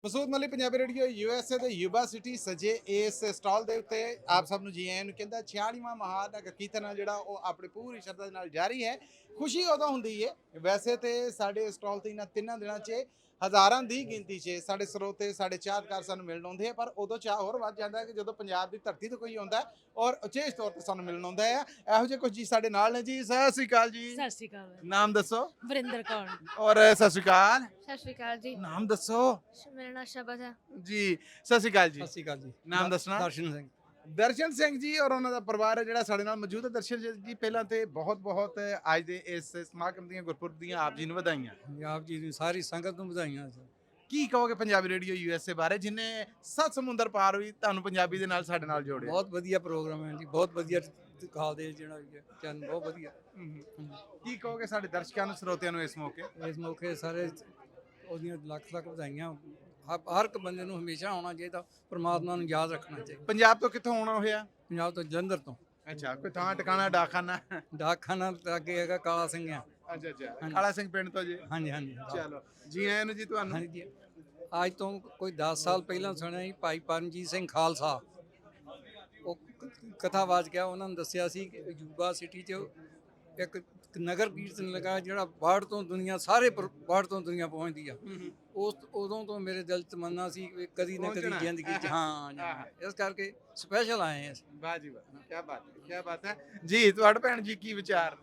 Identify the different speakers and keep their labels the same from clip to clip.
Speaker 1: ਮਸੂਦ ਮਲੀ Punjabi radio USA ਦੇ Yuba City ਸਜੇ ਇਸ ਸਟਾਲ ਦੇ ਉੱਤੇ ਆਪ ਸਭ ਨੂੰ ਜੀ ਆਇਆਂ ਨੂੰ ਕਹਿੰਦਾ 46ਵਾਂ ਮਹਾਨਾਇਕ ਕੀਰਤਨ ਜਿਹੜਾ ਉਹ ਆਪਣੀ ਪੂਰੀ ਸ਼ਰਧਾ ਦੇ ਨਾਲ ਜਾਰੀ ਹੈ। ਖੁਸ਼ੀ ਉਦੋਂ ਹੁੰਦੀ ਹੈ ਵੈਸੇ ਤੇ ਸਾਡੇ ਸਟਾਲ ਤੇ ਇਹਨਾਂ ਤਿੰਨਾਂ ਦਿਨਾਂ 'ਚ ਹਜ਼ਾਰਾਂ ਦੀ ਗਿਣਤੀ 'ਚ ਸਾਡੇ ਸਰੋਤੇ ਸਾਡੇ ਚਾਹਤਕਾਰ ਸਾਨੂੰ ਮਿਲਣ ਆਉਂਦੇ ਆ, ਪਰ ਉਦੋਂ ਚਾਹ ਹੋਰ ਵੱਧ ਜਾਂਦਾ ਕਿ ਜਦੋਂ ਪੰਜਾਬ ਦੀ ਧਰਤੀ ਤੋਂ ਕੋਈ ਆਉਂਦਾ ਔਰ ਉਚੇਚ ਤੌਰ ਤੇ ਸਾਨੂੰ ਮਿਲਣ ਆਉਂਦਾ ਹੈ। ਇਹੋ ਜਿਹੇ ਕੁਝ ਜੀ ਸਾਡੇ ਨਾਲ ਨੇ ਜੀ। ਸਤਿ ਸ਼੍ਰੀ ਅਕਾਲ ਜੀ।
Speaker 2: ਸਤਿ ਸ਼੍ਰੀ ਅਕਾਲ।
Speaker 1: ਨਾਮ ਦੱਸੋ।
Speaker 2: ਵਰਿੰਦਰ ਕੌਰ।
Speaker 1: ਔਰ ਸਤਿ ਸ਼੍ਰੀ ਅਕਾਲ।
Speaker 3: ਸਤਿ ਸ਼੍ਰੀ ਅਕਾਲ ਜੀ।
Speaker 1: ਨਾਮ ਦੱਸੋ
Speaker 3: ਮੇਰਾ ਨਾਮ ਸ਼ਬਦ ਹੈ।
Speaker 1: ਜੀ। ਸਤਿ ਸ਼੍ਰੀ ਅਕਾਲ ਜੀ।
Speaker 4: ਸਤਿ ਸ਼੍ਰੀ ਅਕਾਲ ਜੀ।
Speaker 1: ਨਾਮ ਦੱਸਣਾ।
Speaker 4: ਦਰਸ਼ਨ ਸਿੰਘ।
Speaker 1: ਦਰਸ਼ਨ ਸਿੰਘ ਜੀ ਔਰ ਉਹਨਾਂ ਦਾ ਪਰਿਵਾਰ ਹੈ ਜਿਹੜਾ ਸਾਡੇ ਨਾਲ ਮੌਜੂਦ ਹੈ। ਦਰਸ਼ਨ ਜੀ ਪਹਿਲਾਂ ਤੇ ਬਹੁਤ ਬਹੁਤ ਅੱਜ ਦੇ ਇਸ ਸਮਾਗਮ ਦੀਆਂ ਗੁਰਪੁਰਬ ਦੀਆਂ ਆਪ ਜੀ ਨੂੰ ਵਧਾਈਆਂ।
Speaker 4: ਪੰਜਾਬ ਜੀ ਦੀ ਸਾਰੀ ਸੰਗਤ ਨੂੰ ਵਧਾਈਆਂ।
Speaker 1: ਕੀ ਕਹੋਗੇ ਪੰਜਾਬੀ ਰੇਡੀਓ ਯੂਐਸਏ ਬਾਰੇ, ਜਿਨੇ 7 ਸਮੁੰਦਰ ਪਾਰ ਵੀ ਤੁਹਾਨੂੰ ਪੰਜਾਬੀ ਦੇ ਨਾਲ ਸਾਡੇ ਨਾਲ ਜੋੜਿਆ।
Speaker 4: ਬਹੁਤ ਵਧੀਆ ਪ੍ਰੋਗਰਾਮ ਹੈ ਜੀ, ਬਹੁਤ ਵਧੀਆ ਦਿਖਾਉਂਦੇ ਜਿਹੜਾ ਵੀ ਹੈ ਚੈਨਲ ਬਹੁਤ ਵਧੀਆ।
Speaker 1: ਕੀ ਕਹੋਗੇ ਸਾਡੇ ਦਰਸ਼ਕਾਂ ਨੂੰ ਸਰੋਤਿਆਂ ਨੂੰ ਇਸ ਮੌਕੇ।
Speaker 4: ਇਸ ਮੌਕੇ ਸਾਰੇ ਉਹਦੀਆਂ ਲੱਖ ਲੱਖ ਵਧਾਈਆਂ। ਹਰ ਇੱਕ ਬੰਦੇ ਨੂੰ ਹਮੇਸ਼ਾ ਆਉਣਾ ਚਾਹੀਦਾ, ਪਰਮਾਤਮਾ ਨੂੰ ਯਾਦ ਰੱਖਣਾ ਚਾਹੀਦਾ।
Speaker 1: ਪੰਜਾਬ ਤੋਂ ਕਿੱਥੋਂ ਆਉਣਾ ਹੋਇਆ।
Speaker 4: ਪੰਜਾਬ ਤੋਂ ਜਲੰਧਰ ਤੋਂ।
Speaker 1: ਅੱਛਾ, ਕੋਈ ਥਾਂ ਟਿਕਾਣਾ ਡਾਕਖਾਨਾ।
Speaker 4: ਡਾਕਖਾਨਾ ਅੱਗੇ ਹੈਗਾ ਕਾਲਾ ਸਿੰਘ ਆ।
Speaker 1: ਅੱਛਾ ਅੱਛਾ, ਕਾਲਾ ਸਿੰਘ ਪਿੰਡ ਤੋਂ ਜੀ।
Speaker 4: ਹਾਂਜੀ ਹਾਂਜੀ।
Speaker 1: ਚਲੋ ਜੀ ਆਇਆਂ ਨੂੰ ਜੀ ਤੁਹਾਨੂੰ।
Speaker 4: ਹਾਂਜੀ, ਅੱਜ ਤੋਂ ਕੋਈ 10 ਸਾਲ ਪਹਿਲਾਂ ਸੁਣਿਆ ਜੀ ਭਾਈ ਪਰਮਜੀਤ ਸਿੰਘ ਖਾਲਸਾ ਉਹ ਕਥਾਵਾਚ ਗਿਆ। ਉਹਨਾਂ ਨੇ ਦੱਸਿਆ ਸੀ ਕਿ ਯੂਬਾ ਸਿਟੀ 'ਚ ਇੱਕ ਨਗਰ ਕੀਰਤਨ ਲਗਾ ਜਿਹੜਾ ਬਾਹਰ ਤੋਂ ਦੁਨੀਆ ਸਾਰੇ ਬਾਹਰ ਤੋਂ ਦੁਨੀਆ ਪਹੁੰਚਦੀ ਆ। ਉਸ ਉਦੋਂ ਤੋਂ ਮੇਰੇ ਦਿਲ 'ਚ ਤਮੰਨਾ ਸੀ ਕਿ ਕਦੀ ਨਾ ਕਦੀ ਜ਼ਿੰਦਗੀ 'ਚ ਇਸ ਕਰਕੇ ਸਪੈਸ਼ਲ ਆਏ ਹਾਂ।
Speaker 1: ਵਾਹ ਜੀ ਵਾਹ, ਕੀ ਬਾਤ ਹੈ, ਕੀ ਬਾਤ ਹੈ ਜੀ। ਤੁਹਾਡਾ ਭੈਣ ਜੀ ਕੀ ਵਿਚਾਰ।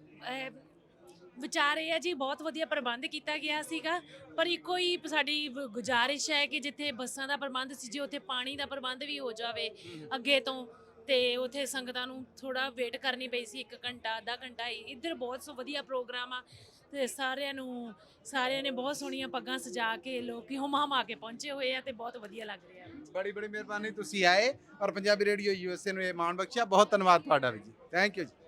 Speaker 2: ਵਿਚਾਰ ਇਹ ਹੈ ਜੀ, ਬਹੁਤ ਵਧੀਆ ਪ੍ਰਬੰਧ ਕੀਤਾ ਗਿਆ ਸੀਗਾ, ਪਰ ਇੱਕੋ ਹੀ ਸਾਡੀ ਗੁਜ਼ਾਰਿਸ਼ ਹੈ ਕਿ ਜਿੱਥੇ ਬੱਸਾਂ ਦਾ ਪ੍ਰਬੰਧ ਸੀ, ਜੇ ਉੱਥੇ ਪਾਣੀ ਦਾ ਪ੍ਰਬੰਧ ਵੀ ਹੋ ਜਾਵੇ ਅੱਗੇ ਤੋਂ, ਤੇ ਉੱਥੇ ਸੰਗਤਾਂ ਨੂੰ ਥੋੜਾ ਵੇਟ ਕਰਨੀ ਪਈ ਸੀ 1 ਘੰਟਾ ਅੱਧਾ ਘੰਟਾ। ਇੱਧਰ ਬਹੁਤ ਵਧੀਆ ਪ੍ਰੋਗਰਾਮ ਆ ਤੇ ਸਾਰਿਆਂ ਨੇ ਬਹੁਤ ਸੋਹਣੀਆਂ ਪੱਗਾਂ ਸਜਾ ਕੇ ਲੋਕੀ ਹੁਮ-ਹੁਮਾ ਕੇ ਪਹੁੰਚੇ ਹੋਏ ਆ ਤੇ ਬਹੁਤ ਵਧੀਆ ਲੱਗ ਰਿਹਾ।
Speaker 1: ਬੜੀ ਬੜੀ ਮਿਹਰਬਾਨੀ, ਤੁਸੀਂ ਆਏ ਔਰ ਪੰਜਾਬੀ ਰੇਡੀਓ ਯੂਐਸਏ ਨੂੰ ਇਹ ਮਾਣ ਬਖਸ਼ਿਆ। ਬਹੁਤ ਧੰਨਵਾਦ ਤੁਹਾਡਾ ਵੀ ਜੀ। ਥੈਂਕ ਯੂ ਜੀ।